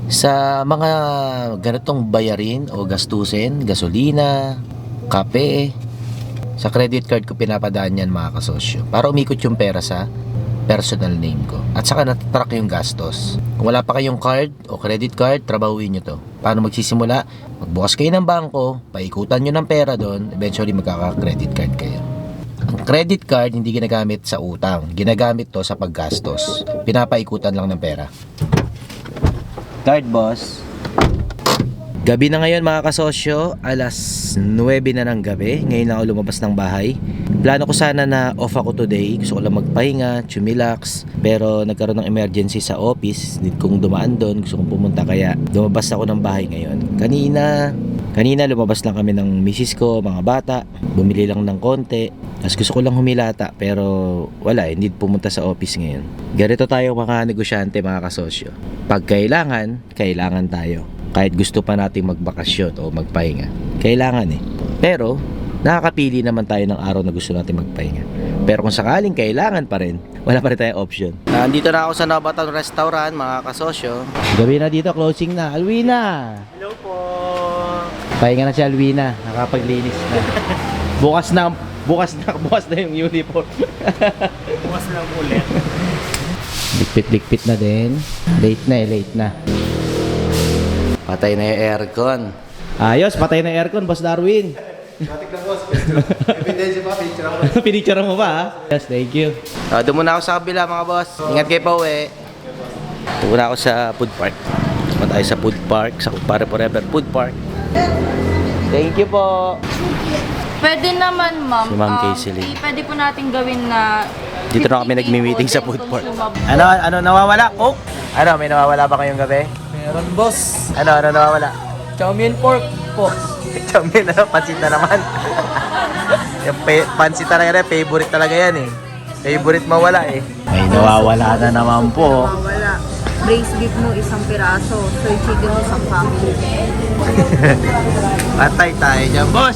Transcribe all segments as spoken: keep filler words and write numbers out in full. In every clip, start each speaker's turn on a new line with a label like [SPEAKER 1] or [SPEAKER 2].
[SPEAKER 1] Sa mga ganitong bayarin o gastusin, gasolina, kape, sa credit card ko pinapadaan yan mga kasosyo para umikot yung pera sa personal name ko at saka natatrack yung gastos. Kung wala pa kayong card o credit card, trabahuin nyo to. Paano magsisimula? Magbukas kayo ng bangko, paikutan nyo ng pera doon, eventually magkaka-credit card kayo. Ang credit card hindi ginagamit sa utang, ginagamit to sa paggastos. Pinapaikutan lang ng pera. Card boss. Gabi na ngayon mga kasosyo, alas nuwebe na ng gabi. Ngayon na ako lumabas ng bahay. Plano ko sana na off ako today. Gusto ko lang magpahinga, chumilax. Pero nagkaroon ng emergency sa office. Need kong dumaan doon. Gusto kong pumunta kaya lumabas ako ng bahay ngayon. Kanina, kanina lumabas lang kami ng misis ko, mga bata. Bumili lang ng konti. Tapos gusto ko lang humilata pero wala, hindi pumunta sa office ngayon. Ganito tayo mga negosyante mga kasosyo. Pag kailangan, kailangan tayo. Kahit gusto pa nating magbakasyon o magpahinga. Kailangan eh. Pero, nakakapili naman tayo ng araw na gusto natin magpahinga. Pero kung sakaling kailangan pa rin, wala pa rin tayong option. Nandito na ako sa Nabataon Restaurant mga kasosyo. Gabi na dito, closing na. Alwina!
[SPEAKER 2] Hello po!
[SPEAKER 1] Pahinga na si Alwina, nakapaglinis na. Bukas na, bukas na, bukas na yung uniform.
[SPEAKER 2] Bukas lang ulit.
[SPEAKER 1] Likpit-likpit na din. Late na eh, late na. Patay na yung aircon. Ayos, patay na yung aircon, Boss Darwin.
[SPEAKER 3] Matik na boss. Ebidensya pa, picture ako.
[SPEAKER 1] Pinicture mo ba ha? Yes, thank you. Uh, doon muna ako sa kabila mga boss. Ingat kayo pa uwi. Doon muna ako sa food park. Doon tayo sa food park, sa Pare Forever Food Park. Thank you po.
[SPEAKER 4] Pwede naman, ma'am.
[SPEAKER 1] Si Ma'am
[SPEAKER 4] Um,
[SPEAKER 1] Kayseline.
[SPEAKER 4] i- Pwede po natin gawin na
[SPEAKER 1] Dito na kami
[SPEAKER 4] fifty
[SPEAKER 1] nagmi-meeting
[SPEAKER 4] po
[SPEAKER 1] sa
[SPEAKER 4] din
[SPEAKER 1] food
[SPEAKER 4] kung
[SPEAKER 1] park.
[SPEAKER 4] sumab-
[SPEAKER 1] Ano, ano nawawala? Coke? Ano, may nawawala ba kayong gabi?
[SPEAKER 2] Meron boss.
[SPEAKER 1] Ano, ano nawawala?
[SPEAKER 2] Chow mein pork po.
[SPEAKER 1] Chamin, ano, pansit na naman. Yung pe- pansit talaga rin, favorite talaga yan eh. Favorite mawala eh. May nawawala na naman po.
[SPEAKER 4] Wala. Braised beef mo, isang piraso. Soy chicken, isang family.
[SPEAKER 1] Patay tayo dyan, boss.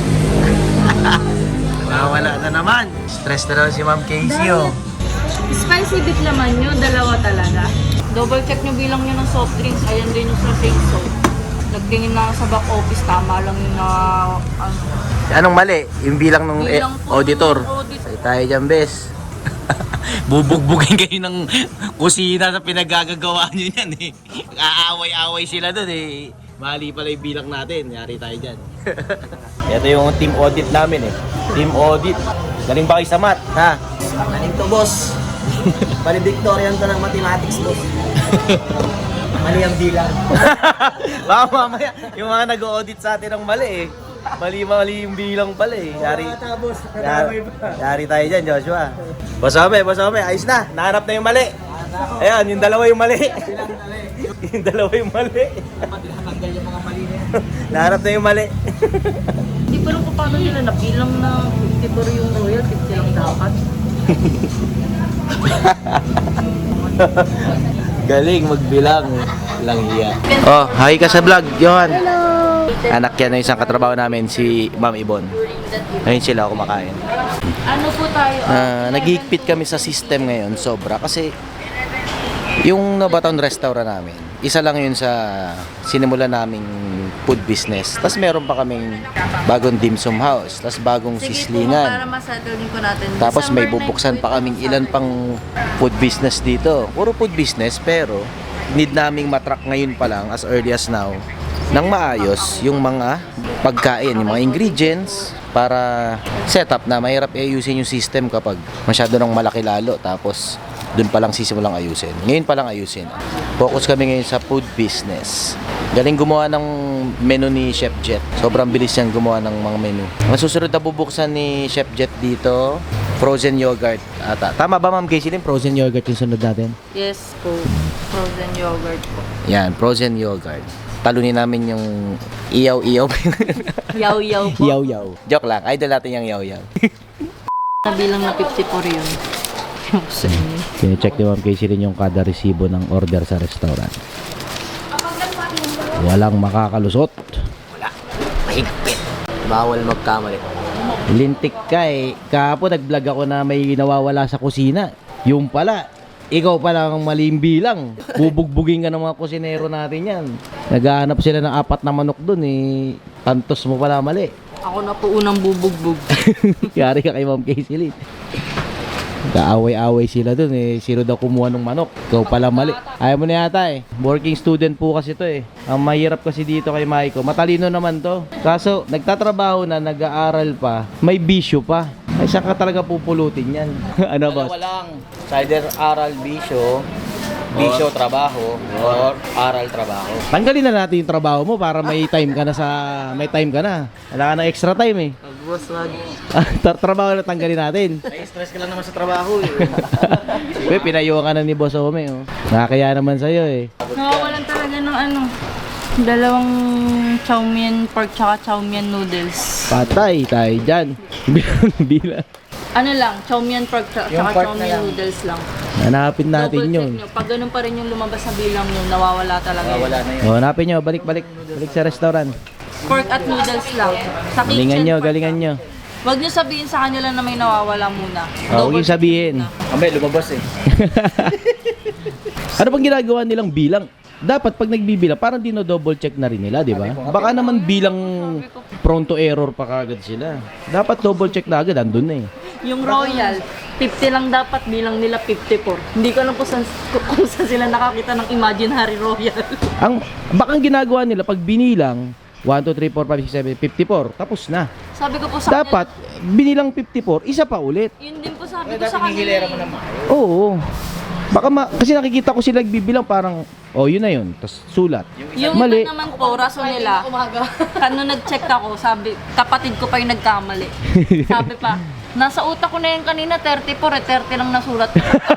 [SPEAKER 1] Nawawala na naman. Stress na naman si Ma'am Casey oh.
[SPEAKER 4] Spicy beef naman yun, dalawa talaga. Double check nyo bilang nyo ng soft drinks. Ayan din yung sa shake soap. Nagtingin na ako sa back office, tama lang yung na... Ano,
[SPEAKER 1] Anong mali? Yung bilang ng eh,
[SPEAKER 4] bilang po
[SPEAKER 1] auditor.
[SPEAKER 4] ng audit.
[SPEAKER 1] Patay tayo dyan, bes. Bubugbugin kayo ng kusina sa pinagagagawa nyo yan eh. Aaway-away sila dun eh. Mali pala yung bilang natin. Yari tayo dyan. Ito yung team audit namin eh. Team audit. Galing ba kayo sa math, ha?
[SPEAKER 2] Galing to boss. Valedictorian to ng mathematics boss. Mali ang bilang.
[SPEAKER 1] Baka mamaya, yung mga nag-audit sa atin ang mali eh. Mali-mali yung bilang pala eh. Yari,
[SPEAKER 2] Tapos,
[SPEAKER 1] yari, yari tayo dyan, Joshua. Basame, basame, ayos na. Nahanap na yung mali. Ayan, yung dalawa yung mali. Yung dalawa yung mali.
[SPEAKER 2] Tinatanggal yung mga mali na yan.
[SPEAKER 1] Nahanap na yung mali.
[SPEAKER 4] Hindi pa lang kung paano nila nabilang na fifty-four yung royal, fifty lang dapat.
[SPEAKER 1] Galing magbilang. Lang hiya. Oh, hi ka sa vlog, Johan. Hello. Anak yan ng isang katrabaho namin, si Ma'am Ibon. Ngayon sila kumakain.
[SPEAKER 4] Ano po tayo?
[SPEAKER 1] Uh, nagigpit kami sa system ngayon, sobra. Kasi yung Nabataon Restaurant namin, isa lang yun sa sinimulan naming food business. Tapos meron pa kaming bagong dim sum house, tapos bagong
[SPEAKER 4] Sige po, para
[SPEAKER 1] sislingan.
[SPEAKER 4] masettle din po natin.
[SPEAKER 1] Tapos may
[SPEAKER 4] December
[SPEAKER 1] bubuksan
[SPEAKER 4] ninth
[SPEAKER 1] pa kaming ilan pang food business dito. Puro food business pero need naming matrack ngayon pa lang as early as now nang maayos yung mga pagkain, yung mga ingredients para setup na mahirap ayusin yung system kapag masyado nang malaki lalo tapos doon pa lang sisimulang ayusin. Ngayon pa lang ayusin. Focus kami ngayon sa food business. Galing gumawa ng menu ni Chef Jet. Sobrang bilis niyang gumawa ng mga menu. Ang susunod na bubuksan ni Chef Jet dito, frozen yogurt ata. Tama ba Ma'am Casey? Frozen yogurt yung sunod natin?
[SPEAKER 4] Yes po. Frozen yogurt po.
[SPEAKER 1] Yan, frozen yogurt. Talunin namin yung iyaw-iyaw.
[SPEAKER 4] Yaw-yaw po.
[SPEAKER 1] Yaw-yaw. Joke lang. Idol natin yung yaw-yaw.
[SPEAKER 4] Nabilang na fifty-four yun. Yung sa inyo.
[SPEAKER 1] Kine-check ni Ma'am Casey rin yung kada resibo ng order sa restaurant. Walang makakalusot.
[SPEAKER 2] Wala. Mahigpit. Bawal magkamali.
[SPEAKER 1] Lintik ka eh. Kahapon nag-vlog ako na may nawawala sa kusina. Yung pala, ikaw pa lang ang maling bilang. Bubugbugin ka ng mga kusinero natin yan. Naghahanap sila ng apat na manok dun eh. Tantos mo pala mali.
[SPEAKER 4] Ako na po unang bubugbog.
[SPEAKER 1] Yari ka kay Ma'am Casey Lee. Kaaway-away sila dun eh. Sino daw kumuha ng manok? Ikaw pala mali. Ayaw mo na yata eh. Working student po kasi to eh. Ang mahirap kasi dito kay Maiko. Matalino naman to. Kaso nagtatrabaho na, nag-aaral pa. May bisyo pa. Ay saan ka talaga pupulutin yan? Ano boss?
[SPEAKER 2] Walang either aral bisyo, bisyo trabaho, or aral trabaho.
[SPEAKER 1] Tanggalin na natin yung trabaho mo para may time ka na sa... May time ka na. Wala ka ng extra time eh.
[SPEAKER 2] Boss, wag.
[SPEAKER 1] Tra- trabaho na tanggalin natin.
[SPEAKER 2] May stress ka lang naman sa trabaho eh.
[SPEAKER 1] Uy, pinayuhan ka na ni Boss Ome oh. Nakakaya naman sa'yo eh.
[SPEAKER 4] Nawawalan talaga ng ano, dalawang chow mein pork tsaka chow mein noodles.
[SPEAKER 1] Patay tayo dyan. Bilang.
[SPEAKER 4] Ano lang, chow mein pork tsaka
[SPEAKER 2] Yung
[SPEAKER 4] tsaka
[SPEAKER 2] pork
[SPEAKER 4] chow
[SPEAKER 2] na
[SPEAKER 4] mein
[SPEAKER 2] lang.
[SPEAKER 4] noodles lang.
[SPEAKER 1] Hanapin natin
[SPEAKER 4] Double check
[SPEAKER 1] yun.
[SPEAKER 4] nyo. Pag ganun pa rin yung lumabas sa bilang nyo, nawawala talaga yun.
[SPEAKER 2] Wala na yun.
[SPEAKER 1] O, hanapin nyo. Balik, balik. Balik sa restaurant.
[SPEAKER 4] Pork at noodles lang. Sa kitchen,
[SPEAKER 1] Galingan nyo,
[SPEAKER 4] pork
[SPEAKER 1] galingan
[SPEAKER 4] lang.
[SPEAKER 1] nyo.
[SPEAKER 4] Huwag nyo sabihin sa kanila na may nawawala muna.
[SPEAKER 1] O, huwag yung
[SPEAKER 4] check
[SPEAKER 1] sabihin.
[SPEAKER 4] muna.
[SPEAKER 2] Kamay, lumabas eh.
[SPEAKER 1] Ano bang ginagawa nilang bilang? Dapat pag nagbibilang, parang dino-double check na rin nila, di ba? Baka naman bilang prone to error pa kagad sila. Dapat double check na agad, andun na eh.
[SPEAKER 4] Yung Royal, fifty lang dapat, bilang nila fifty-four. Hindi ko alam kung saan, kung saan sila nakakita ng imaginary Royal.
[SPEAKER 1] Ang, baka ang ginagawa nila, pag binilang, one, two, three, four, five, six, seven, fifty-four, tapos na.
[SPEAKER 4] Sabi ko po sa
[SPEAKER 1] Dapat, binilang fifty-four, isa pa ulit.
[SPEAKER 4] kanila, yun din po sabi ko sa kanila.
[SPEAKER 2] Hihilera mo
[SPEAKER 4] eh.
[SPEAKER 2] naman.
[SPEAKER 1] Oo. Baka ma kasi nakikita ko sila nagbibilang parang, oh yun na yun, tapos sulat.
[SPEAKER 4] Yung
[SPEAKER 1] Mali.
[SPEAKER 4] iba naman po, rason nila, kano nag-check ako, sabi, kapatid ko pa yung nagkamali. Sabi pa, nasa utak ko na yun kanina, thirty-four eh, thirty lang nasulat.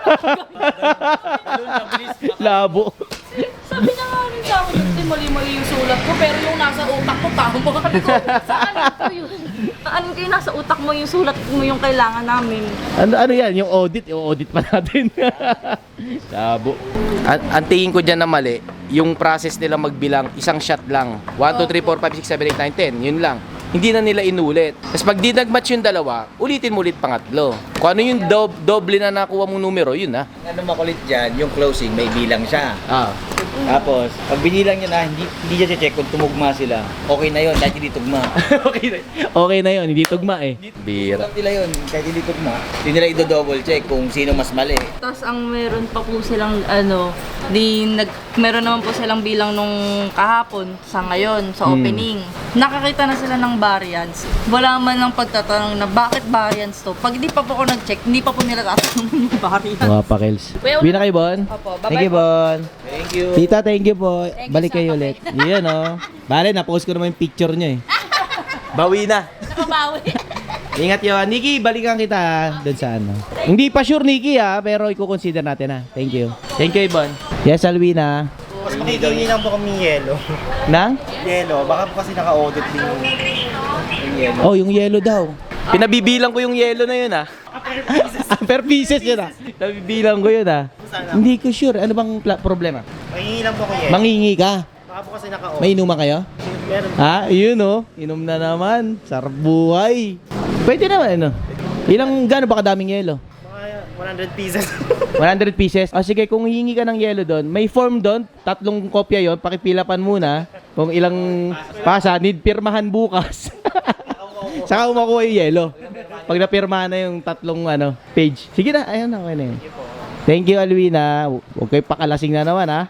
[SPEAKER 1] Labo.
[SPEAKER 4] Sabi niya nga rin sa akin, "Hindi, mali-mali yung sulat ko, pero yung nasa utak ko, tama ko. Saan ito yun? Ano kayo nasa utak mo yung sulat mo yung kailangan namin?
[SPEAKER 1] Ano, ano yan? Yung audit? Yung audit pa natin. Labo. Ang, ang tingin ko dyan na mali, yung process nila magbilang, isang shot lang. one, two, three, four, five, six, seven, eight, nine, ten. Yun lang. Hindi na nila inulit. Tapos pag di nag-match yung dalawa, ulitin mo ulit pangatlo. Kung ano yung dob- doble na nakuha mong numero, yun na.
[SPEAKER 2] Ano makulit dyan, yung closing may bilang siya.
[SPEAKER 1] Ah.
[SPEAKER 2] Tapos, pag binilang niya na, hindi, hindi niya check kung tumugma sila. Okay na yun, kahit hindi tugma.
[SPEAKER 1] okay na. Okay na yun, hindi tugma eh. Bira.
[SPEAKER 2] Alam nila yun, kahit hindi tugma. Hindi nila i-double check kung sino mas mali.
[SPEAKER 4] Tapos ang meron pa po silang ano, di nag meron naman po silang bilang nung kahapon sa ngayon sa
[SPEAKER 1] Hmm.
[SPEAKER 4] opening. Nakakita na sila ng variance. Wala man lang pagtatanong na bakit variance to. Pag hindi pa po ako nag-check, hindi pa po nila tatanungin yung variance.
[SPEAKER 1] Mga pakels.
[SPEAKER 4] Kuya,
[SPEAKER 1] Uwi na kayo, Bon?
[SPEAKER 4] Opo, bye-bye
[SPEAKER 1] Thank you,
[SPEAKER 4] po.
[SPEAKER 1] Bon.
[SPEAKER 2] Thank you.
[SPEAKER 1] Tita, thank you po.
[SPEAKER 4] Thank you
[SPEAKER 1] Balik
[SPEAKER 4] sa
[SPEAKER 1] kayo
[SPEAKER 4] kape.
[SPEAKER 1] ulit. Yan, oh. Bale, na-post ko naman yung picture nyo eh. Bawi na.
[SPEAKER 4] Nakabawi.
[SPEAKER 1] Ingat yun. Nikki, balikan kita ha, dun sa ano. Hindi pa sure, Nikki ha, pero i-consider natin ha. Thank you. Thank you, Ibon. Yes, Alwina.
[SPEAKER 3] Mas makikingi lang po kami yelo.
[SPEAKER 1] Nang?
[SPEAKER 3] Yelo, baka po kasi naka-audit din yung, yung yelo.
[SPEAKER 1] Oh, yung yellow daw. Pinabibilang ko yung yellow na yun ha. Ah, per pieces yun ha. Nabibilang ko yun ha. Hindi ko sure. Ano bang pla- problema?
[SPEAKER 3] Makikingi lang po kami yelo.
[SPEAKER 1] Mangingi ka.
[SPEAKER 3] Baka po kasi naka-audit.
[SPEAKER 1] May inuman kayo?
[SPEAKER 3] Meron.
[SPEAKER 1] Ha? Yun oh. Inom na naman. Sarap buhay. Pwede naman ano. Ilang, gano'n ba kadaming yelo?
[SPEAKER 3] Mga one hundred pieces.
[SPEAKER 1] one hundred pieces. O sige, kung hihingi ka ng yelo doon, may form doon, tatlong kopya yon, pakipilapan muna. Kung ilang pasa, need pirmahan bukas. Saka umakuha yung yelo. Pag napirmahan na yung tatlong ano, page. Sige na, ayun na, okay na yun. Thank you, Alwina. Huwag kayo pakalasing na naman, ha?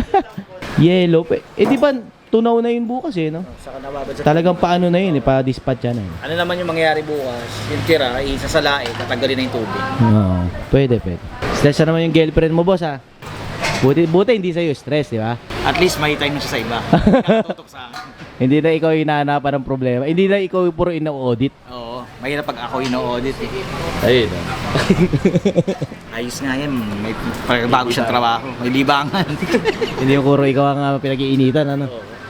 [SPEAKER 1] Yelo. Eh, di ba, tunaw na yun bukas eh, no?
[SPEAKER 2] Saka nababad sa...
[SPEAKER 1] Talagang paano na yun eh, pa-dispatch yan eh.
[SPEAKER 2] Ano naman yung mangyayari bukas? Yung tira, isasalain, tatanggalin na yung tubig.
[SPEAKER 1] Oo, pwede, pwede. Stress na naman yung girlfriend mo, boss, ha? Buti, buti hindi sa'yo stress, di ba?
[SPEAKER 2] At least may time na siya sa iba. Nakatutok sa akin.
[SPEAKER 1] Hindi na ikaw yung hinahanapan ng problema. Hindi na ikaw yung puro ina-audit.
[SPEAKER 2] Oo, mahirap pag ako ino-audit eh.
[SPEAKER 1] Ayun.
[SPEAKER 2] Ayos nga yan, may bago siyang trabaho, may libangan.
[SPEAKER 1] Hindi yung puro ikaw ang uh, pinag-iinitan, ano?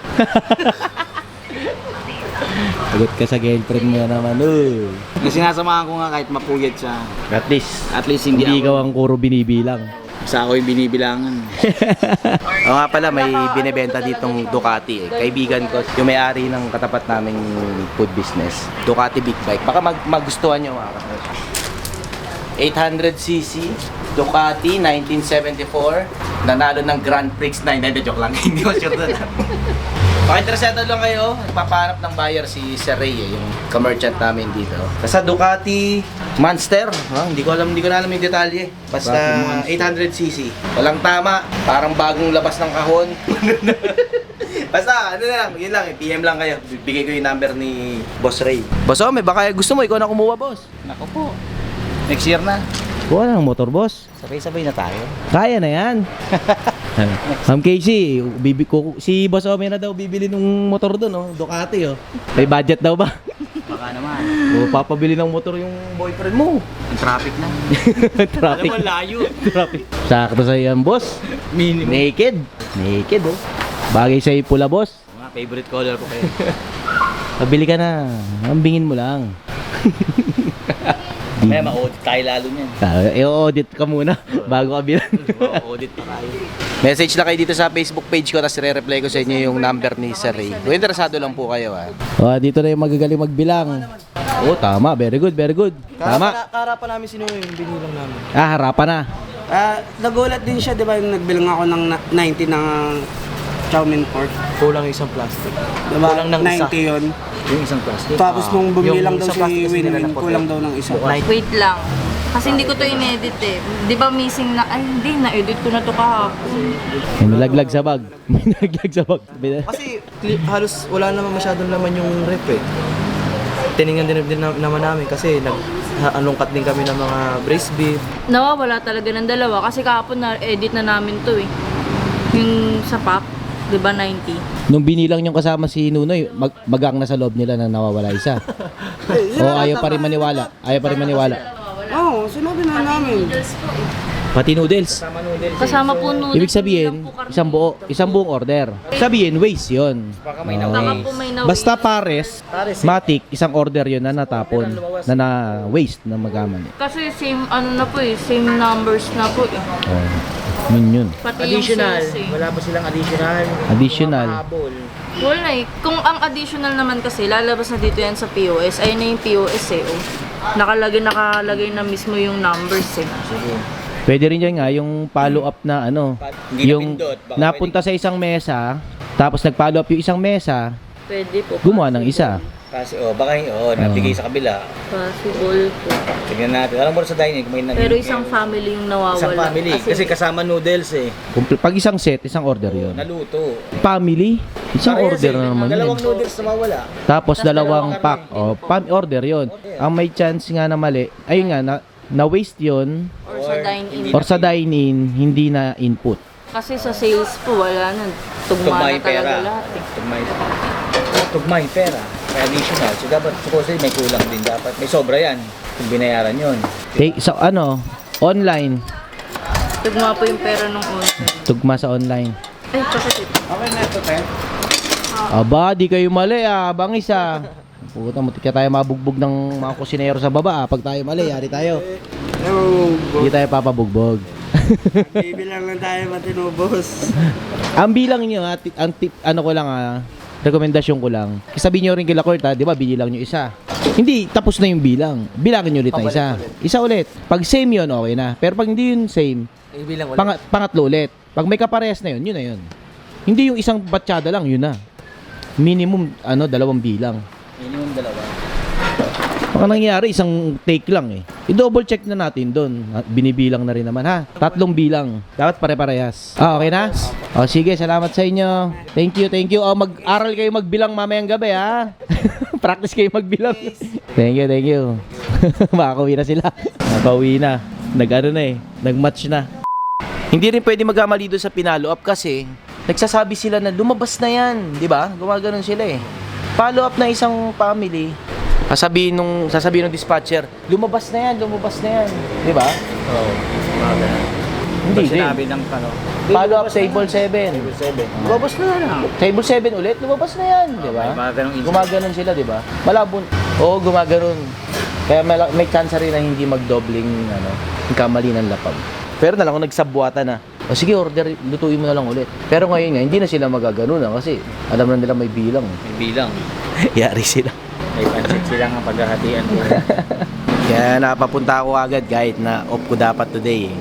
[SPEAKER 1] Sagot ka sa girlfriend mo na naman, oh.
[SPEAKER 2] Yung sinasamahan ko nga kahit mapuyat siya,
[SPEAKER 1] At least,
[SPEAKER 2] at least hindi,
[SPEAKER 1] hindi
[SPEAKER 2] ako,
[SPEAKER 1] ikaw ang puro binibilang.
[SPEAKER 2] sa ako yung binibilangan.
[SPEAKER 1] O nga pala, may binibenta ditong Ducati eh. Kaibigan ko, yung may-ari ng katapat naming food business. Ducati Big Bike. Baka mag magustuhan nyo mga kapatid. eight hundred c c, Ducati nineteen seventy-four. Nanalo ng Grand Prix nine. Hindi, joke lang. Hindi ko sure doon. Okay, interesado lang kayo. Nagpapahanap ng buyer si Sir Ray, eh, yung ka-merchant namin dito. Basta Ducati Monster. Ha? Hindi ko alam, hindi ko na alam yung detalye. Basta eight hundred c c. Walang tama. Parang bagong labas ng kahon. Basta, ano na lang, yun lang, P M lang kayo. Bibigay ko yung number ni Boss Ray. Boss Ome, baka gusto mo, ikaw na kumuha, boss.
[SPEAKER 3] Nako po. Next year na.
[SPEAKER 1] Kuha na ng motor, boss.
[SPEAKER 3] Sabay-sabay na tayo.
[SPEAKER 1] Kaya na yan. Ma'am Casey, bibi ko, si Boss Ome na daw bibili ng motor doon, oh, Ducati, oh. May budget daw ba?
[SPEAKER 3] Baka naman.
[SPEAKER 1] O, papabili ng motor yung boyfriend mo.
[SPEAKER 3] Yung traffic na.
[SPEAKER 1] Traffic.
[SPEAKER 3] Alam mo, layo.
[SPEAKER 1] Traffic. Sakto sa yan, boss.
[SPEAKER 3] Minimum.
[SPEAKER 1] Naked. Naked, oh. Bagay sa'yo pula, boss.
[SPEAKER 3] Mga favorite color ko kayo.
[SPEAKER 1] Pabili ka na. Ambingin mo lang.
[SPEAKER 3] May ma-audit tayo lalo niyan.
[SPEAKER 1] Ah, i-audit ka muna bago ka bilang.
[SPEAKER 3] Ma-audit pa tayo.
[SPEAKER 1] Message na kayo dito sa Facebook page ko, tapos i-reply ko sa inyo yung number ni Sir Ray. Kung interesado lang po kayo, ha. Oh, dito na yung magagaling magbilang. Oh, tama. Very good, very good. Tama.
[SPEAKER 2] Kaharapan namin sino yung binilang namin.
[SPEAKER 1] Ah, harapan na.
[SPEAKER 2] Ah, nagulat din siya, di ba, yung nagbilang ako ng na- ninety ng chow mein pork.
[SPEAKER 3] Kulang yung isang plastic.
[SPEAKER 2] Diba?
[SPEAKER 3] Kulang ng isa.
[SPEAKER 2] ninety yun.
[SPEAKER 3] Yung isang plastic.
[SPEAKER 2] Tapos nung bumilang
[SPEAKER 3] Yung
[SPEAKER 2] daw
[SPEAKER 3] isang
[SPEAKER 2] si
[SPEAKER 3] plastic kasi nila
[SPEAKER 2] Winwin,
[SPEAKER 3] na
[SPEAKER 2] kulang
[SPEAKER 3] puti.
[SPEAKER 2] daw ng isa.
[SPEAKER 4] Wait lang. Kasi hindi ko to in-edit eh. Di ba missing na, ay hindi, na-edit ko na to kahapon.
[SPEAKER 1] May nalaglag sa bag. May nalaglag sa bag.
[SPEAKER 5] Kasi cli- halos wala naman masyadong laman yung rep eh. Tiningnan din, din na- naman namin kasi nag ha- alungkat din kami ng mga braised beef.
[SPEAKER 4] Nawawala talaga ng dalawa kasi kahapon na-edit na namin to eh. Yung sa pack, di ba ninety?
[SPEAKER 1] Nung binilang yung kasama si Nunoy, mag magang na sa loob nila na nawawala isa. O ayaw pa rin maniwala. Ayaw pa rin maniwala.
[SPEAKER 2] Oo, oh, sinabi na namin.
[SPEAKER 1] Pati noodles.
[SPEAKER 4] Kasama po noodles.
[SPEAKER 1] Ibig sabihin, isang buo, isang buong order. Sabihin, waste yun.
[SPEAKER 3] Baka may
[SPEAKER 1] Oo.
[SPEAKER 4] Baka po may na
[SPEAKER 1] Basta pares, matik, isang order yun na natapon, na na-waste na magamani.
[SPEAKER 4] Kasi same ano na po eh, same numbers na po eh.
[SPEAKER 1] Oh, yun yun.
[SPEAKER 4] Pati
[SPEAKER 3] Additional.
[SPEAKER 4] yung sales eh.
[SPEAKER 3] Wala pa silang additional.
[SPEAKER 1] Additional.
[SPEAKER 3] Habol.
[SPEAKER 4] Wala eh. Kung ang additional naman kasi, lalabas na dito yan sa P O S. Ayun na yung P O S eh. Oh. Nakalagay, nakalagay na mismo yung numbers eh.
[SPEAKER 3] Sige.
[SPEAKER 1] Pwede rin dyan nga, yung follow-up na ano,
[SPEAKER 3] Hindi
[SPEAKER 1] yung
[SPEAKER 3] napindot, baka
[SPEAKER 1] napunta sa isang mesa, tapos nag-follow up yung isang mesa,
[SPEAKER 4] Pwede po.
[SPEAKER 1] gumawa ng isa.
[SPEAKER 3] Kasi oh, baka oh, nabigay sa kabila.
[SPEAKER 4] Possible po.
[SPEAKER 3] Tingnan natin. Alam mo sa dining kung may nag-
[SPEAKER 4] Pero isang family yung nawawala.
[SPEAKER 3] Isang family. Kasi kasama noodles eh.
[SPEAKER 1] Kung pag isang set, isang order yun.
[SPEAKER 3] Naluto.
[SPEAKER 1] Family, isang
[SPEAKER 3] Parehas
[SPEAKER 1] order
[SPEAKER 3] eh.
[SPEAKER 1] na naman
[SPEAKER 3] Dalawang
[SPEAKER 1] yun.
[SPEAKER 3] noodles na mawala.
[SPEAKER 1] Tapos dalawang pack, oh, pam order yun. Ang may chance nga na mali, ayun nga, na, na waste yun,
[SPEAKER 4] Or sa dine-in.
[SPEAKER 1] or sa dine-in, hindi na input.
[SPEAKER 4] Kasi sa sales po, wala na. Tugma
[SPEAKER 3] Tugma
[SPEAKER 4] na
[SPEAKER 3] yung pera.
[SPEAKER 4] talaga lahat eh.
[SPEAKER 3] Tugma yung Tugma yung pera. Kaya additional. So dapat, supposedly may kulang din dapat. May sobra yan. Kung binayaran yun.
[SPEAKER 1] Take, so ano, online,
[SPEAKER 4] Tugma po yung pera nung order.
[SPEAKER 1] tugma sa online.
[SPEAKER 4] Ay, chocolate.
[SPEAKER 3] Okay na ito, Ted.
[SPEAKER 1] Aba, di kayo mali ah, bangis ah. Puta, mutik ka tayo mabugbog ng mga kusinero sa baba ah. Pag tayo mali, yari tayo. Hindi tayo papabugbog.
[SPEAKER 2] Bibilang lang tayo matinubos.
[SPEAKER 1] Ang bilang nyo, ah, ti- ang tip, ano ko lang ah, rekomendasyon ko lang. Sabihin nyo rin kila Kurt ha, di ba, bilang nyo isa. Hindi, tapos na yung bilang. Bilangin nyo ulit na isa. Isa ulit. Pag same yun, okay na. Pero pag hindi yun same,
[SPEAKER 5] Ibilang ulit.
[SPEAKER 1] pang- pangatlo ulit. Pag may kaparehas na yun, yun na yun. Hindi yung isang batsyada lang, yun na. Minimum, ano, dalawang bilang.
[SPEAKER 3] Minimum dalawa.
[SPEAKER 1] Baka nangyari, isang take lang eh. I-double check na natin doon. Binibilang na rin naman ha. Tatlong bilang. Dapat pare-parehas. Ah, okay na? O sige, salamat sa inyo. Thank you, thank you. O, mag-aral kayo magbilang mamayang gabi ha. Practice kayo magbilang. Thank you, thank you. Makakauwi na sila. Makakauwi na. Nag-ano na eh. Nag-match na. Hindi rin pwede magkamali doon sa pinalo up kasi nagsasabi sila na lumabas na yan. Di ba? Gumaganon sila eh. Follow up na isang family. Sasabihin nung sasabihin ng dispatcher, lumabas na yan, lumabas na yan, 'di ba?
[SPEAKER 3] Oo. Mga
[SPEAKER 1] Hindi
[SPEAKER 3] Pag
[SPEAKER 1] din.
[SPEAKER 3] sinabi ng ano.
[SPEAKER 1] Follow up table seven.
[SPEAKER 3] Table seven. Lumabas na lang.
[SPEAKER 1] Table seven ulit, lumabas na yan, 'di ba?
[SPEAKER 3] May mga ganong instance.
[SPEAKER 1] Gumaganon sila, 'di ba? Malabon. Oo, gumaganon. Kaya may, may chance rin na hindi magdobling ano, yung kamali ng lapag. Pero na lang kung nagsabwata na. O sige, order, lutuin mo na lang ulit. Pero ngayon nga, hindi na sila magaganon na kasi alam na nila may bilang.
[SPEAKER 3] May bilang.
[SPEAKER 1] Yari sila.
[SPEAKER 3] May pansit sila nga paghahatian ko.
[SPEAKER 1] Kaya napapunta ako agad kahit na off ko dapat today eh.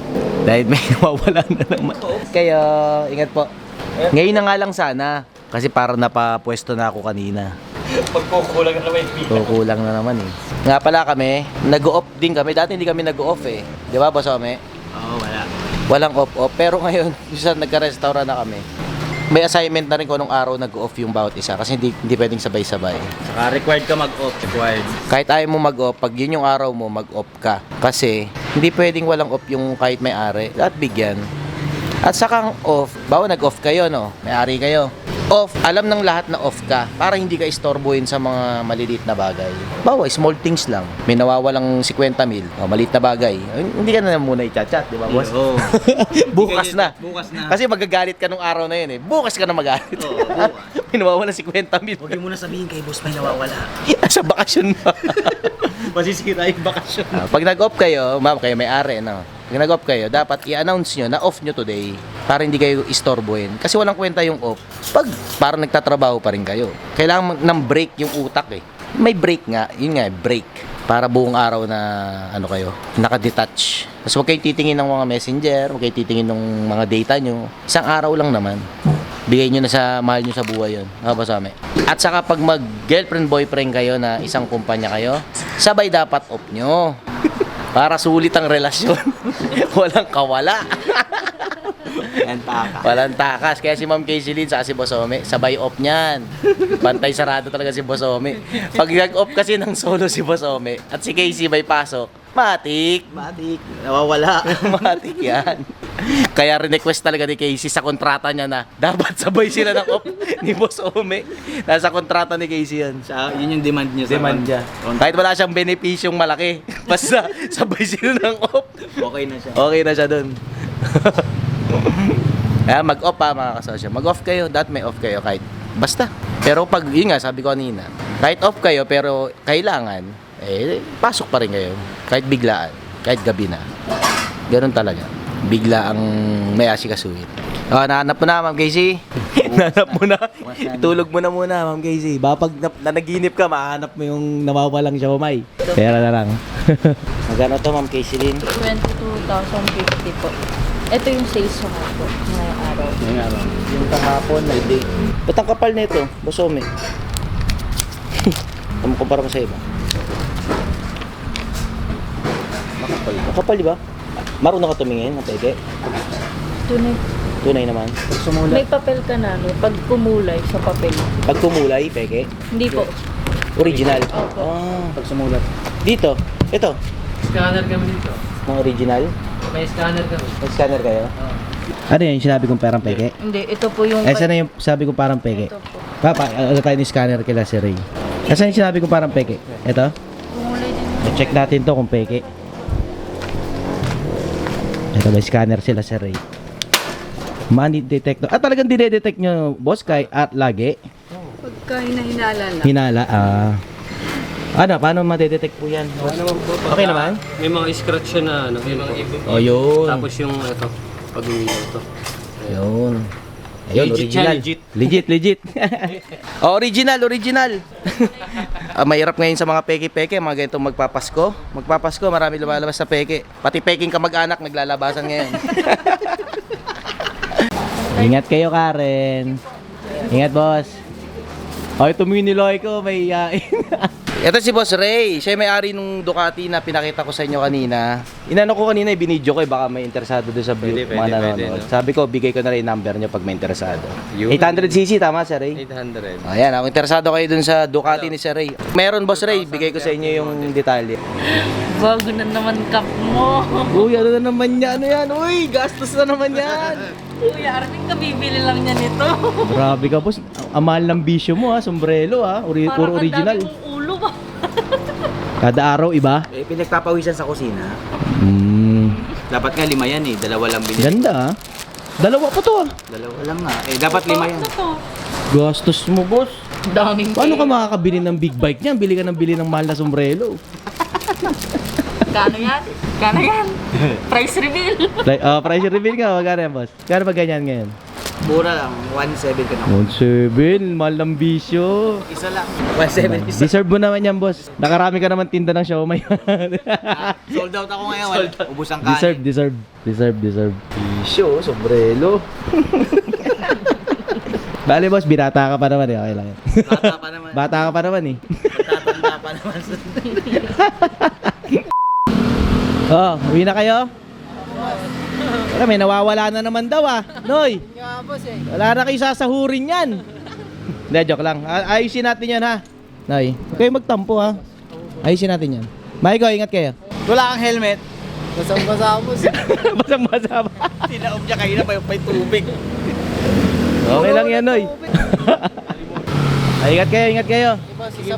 [SPEAKER 1] Dahil may nawawala na naman. Kayo, ingat po. Ngayon na nga lang sana. Kasi parang napapwesto na ako kanina.
[SPEAKER 3] Pagkukulang na naman yung bilang.
[SPEAKER 1] Kukulang na naman eh. Nga pala kami, nag-off din kami. Dati hindi kami nag-off eh. Di ba, Boss Ome?
[SPEAKER 3] Oo, wala.
[SPEAKER 1] Walang off-off. Pero ngayon, isa nagka-restaurant na kami. May assignment na rin kung anong araw nag-off yung bawat isa. Kasi hindi, hindi pwedeng sabay-sabay.
[SPEAKER 3] Saka required ka mag-off. Required.
[SPEAKER 1] Kahit ayaw mo mag-off, pag yun yung araw mo, mag-off ka. Kasi, hindi pwedeng walang off yung kahit may-ari. At bigyan. At saka ang off, bawa nag-off kayo, no? May-ari kayo. Off, alam ng lahat na off ka para hindi ka istorbohin sa mga maliliit na bagay. Bawa, small things lang. May nawawalang fifty mil, o maliit na bagay. Ay, hindi ka na muna i-chat-chat, di ba, boss?
[SPEAKER 3] Oo.
[SPEAKER 1] Bukas na.
[SPEAKER 3] Bukas na.
[SPEAKER 1] Kasi magagalit ka nung araw na yun eh. Bukas ka na magalit.
[SPEAKER 3] Oo, bukas.
[SPEAKER 1] May nawawalang fifty mil.
[SPEAKER 2] Huwag mo na sabihin kay boss may nawawala.
[SPEAKER 1] Sa bakasyon na.
[SPEAKER 3] Masisira yung bakasyon.
[SPEAKER 1] Ah, pag nag-off kayo, ma'am, kayo may-ari, no? Pag nag-off kayo, dapat i-announce nyo na off nyo today para hindi kayo istorbohin. Kasi walang kwenta yung off. Pag parang nagtatrabaho pa rin kayo, kailangan ng break yung utak eh. May break nga, yun nga, break. Para buong araw na, ano kayo, nakadetach. Tapos huwag kayo titingin ng mga messenger, huwag kayo titingin ng mga data nyo. Isang araw lang naman. Bigay nyo na sa mahal nyo sa buhay yun. Ano ba sa amin? At saka pag mag-girlfriend, boyfriend kayo na isang kumpanya kayo, sabay dapat off nyo. Para sulit ang relasyon. Walang kawala.
[SPEAKER 2] Yan, taka.
[SPEAKER 1] Walang takas. Kaya si Ma'am Casey Lynn sa si Boss Ome, sabay off niyan. Pantay sarado talaga si Boss Ome. Pag nag-off kasi ng solo si Boss Ome at si Casey may pasok, matik.
[SPEAKER 2] Matik, nawawala.
[SPEAKER 1] Matik yan. Kaya request talaga ni Casey sa kontrata niya na dapat sabay sila ng off ni Boss Ome. Nasa kontrata ni Casey yan.
[SPEAKER 3] Siya, yun yung demand niya. sa
[SPEAKER 1] Demand niya. Kahit wala siyang benepisyong malaki, basta sabay sila ng off.
[SPEAKER 3] Okay na siya.
[SPEAKER 1] Okay na siya dun. Kaya mag-off pa mga kasosyo. Mag-off kayo, dapat may off kayo kahit basta. Pero pag, yun nga, sabi ko kanina, kahit off kayo pero kailangan, eh, pasok pa rin kayo. Kahit biglaan, kahit gabi na. Ganun talaga. Bigla ang may asikasuhin. Oh, nahanap mo na, Ma'am Casey. Nahanap mo na. Itulog mo na muna, Ma'am Casey. Baka pag na- nanaginip ka, mahanap mo yung nawawalang siomay. Pera na lang. Magkano to, Ma'am Casey Lynn?
[SPEAKER 4] twenty-two thousand fifty po. Ito yung sales ko nga po ngayong araw.
[SPEAKER 1] Ngayong araw. Yung kahapon, may day. Ba't ang kapal nito? Bosome. Ano mo kumpara mo sa iba? Makapal. Makapal, di ba? Marunong ka tumingin ng peke?
[SPEAKER 4] Tunay.
[SPEAKER 1] Tunay naman.
[SPEAKER 4] May papel ka na, no? Pag kumulay sa papel.
[SPEAKER 1] Pag kumulay, peke?
[SPEAKER 4] Hindi po.
[SPEAKER 1] Original.
[SPEAKER 4] Opo.
[SPEAKER 1] Ah,
[SPEAKER 3] Pag sumulat.
[SPEAKER 1] dito. Ito.
[SPEAKER 6] Scanner kami dito.
[SPEAKER 1] Mga original.
[SPEAKER 6] May scanner kami.
[SPEAKER 1] May scanner kayo?
[SPEAKER 7] Ano yun, sinabi kong parang peke?
[SPEAKER 4] Hindi, ito po yung...
[SPEAKER 7] Eh, saan na yung sabi kong parang peke?
[SPEAKER 4] Ito po.
[SPEAKER 7] Papa, ano tayo ni scanner kila si Ray? Eh, saan yung sinabi kong parang peke? Ito?
[SPEAKER 4] Kumulay din.
[SPEAKER 7] Check natin to kung peke. Ito, may scanner sila si Ray. Money detector. Ah, talagang dinedetect nyo, boss, kay at lagi?
[SPEAKER 4] Pagka hinahinala lang.
[SPEAKER 7] Hinala, ah... ano, paano madedetect po yan?
[SPEAKER 6] Ano naman po?
[SPEAKER 7] Okay naman?
[SPEAKER 6] May mga scratch siya na ano. May mga ibig.
[SPEAKER 7] Oh, yun.
[SPEAKER 6] Tapos yung ito. Pag umilaw ito.
[SPEAKER 1] Ayun. Ayun,
[SPEAKER 6] Legit
[SPEAKER 1] original.
[SPEAKER 6] yan, legit.
[SPEAKER 7] Legit, legit.
[SPEAKER 1] Oh, original, original. Ah, mahirap ngayon sa mga peke-peke, mga ganitong magpapasko. Magpapasko, marami lumalabas sa peke. Pati peking kamag-anak naglalabasan ngayon.
[SPEAKER 7] Ingat kayo, Karen. Ingat, boss. Ay, tumingin ni Loy ko, may iyain.
[SPEAKER 1] Ito si Boss Ray. Siya yung may-ari nung Ducati na pinakita ko sa inyo kanina. Inano ko kanina, ibinidyo ko eh, baka may interesado doon sa view,
[SPEAKER 3] Pwede,
[SPEAKER 1] mga
[SPEAKER 3] pwede,
[SPEAKER 1] nanonood.
[SPEAKER 3] pwede, no?
[SPEAKER 1] Sabi ko, bigay ko na rin yung number nyo pag may interesado.
[SPEAKER 3] Yun.
[SPEAKER 1] eight hundred c c, tama, Sir Ray?
[SPEAKER 3] eight hundred.
[SPEAKER 1] Ayan, kung interesado kayo dun sa Ducati ni Sir Ray. Meron, Boss Ray, bigay ko sa inyo yung detalye.
[SPEAKER 4] Bago na naman cup mo.
[SPEAKER 7] Uy, ano na naman yan? Ano yan? Uy, gastos na naman yan.
[SPEAKER 4] Kuya Arvin, kabibili lang niya nito.
[SPEAKER 7] Grabe ka, boss. Ang mahal ng bisyo mo, ha. Sombrero, ha. Ori-
[SPEAKER 4] Parang
[SPEAKER 7] puro
[SPEAKER 4] ang
[SPEAKER 7] original.
[SPEAKER 4] dami mong ulo ba?
[SPEAKER 7] Kada araw, iba.
[SPEAKER 2] Eh, pinagpapawisan sa kusina.
[SPEAKER 7] Hmm.
[SPEAKER 3] Dapat nga lima yan eh. Dalawa lang binili.
[SPEAKER 7] Ganda, ha. Dalawa pa to, ha.
[SPEAKER 3] Dalawa lang nga. Eh, dapat lima yan.
[SPEAKER 4] Ito to.
[SPEAKER 7] Gastos mo, boss.
[SPEAKER 4] Daming
[SPEAKER 7] Paano ka
[SPEAKER 4] pera.
[SPEAKER 7] makakabili ng big bike niyan? Bili ka ng bili ng mahal na sombrero.
[SPEAKER 4] Kano yan? Kano yan? Price reveal.
[SPEAKER 7] Like, uh, price reveal ka, magkano yan, boss? Kano ba ganyan ngayon?
[SPEAKER 2] Mura lang, one seven ka na.
[SPEAKER 7] one seven, mahal ng bisyo.
[SPEAKER 2] Isa lang. one seven isa.
[SPEAKER 7] Deserve mo naman yan, boss. Nakarami ka naman tinda ng siomay.
[SPEAKER 2] Sold out ako ngayon. Wala. Ubus ang kanin.
[SPEAKER 7] Deserve, deserve. Deserve, deserve. Bisyo, sombrero. Bale, boss, binata ka pa naman eh. Okay lang yan.
[SPEAKER 2] Bata pa naman.
[SPEAKER 7] Bata ka pa naman eh.
[SPEAKER 2] Tatanda pa naman.
[SPEAKER 7] Oh, uwi na kayo? Wala, may nawawala na naman daw ah. Noy! Wala na kayo sasahurin yan. Hindi, joke lang. A- Ayusin natin yan ha. Noy, huwag kayong magtampo ha. Ayusin natin yan. Maiko, ingat kayo.
[SPEAKER 2] Wala kang helmet. Basang-basa mo.
[SPEAKER 7] Basang-basa pa.
[SPEAKER 2] Tinaob niya kayo na pa yung tubig.
[SPEAKER 7] Okay lang yan, Noy. Ay, ingat kayo, ingat kayo.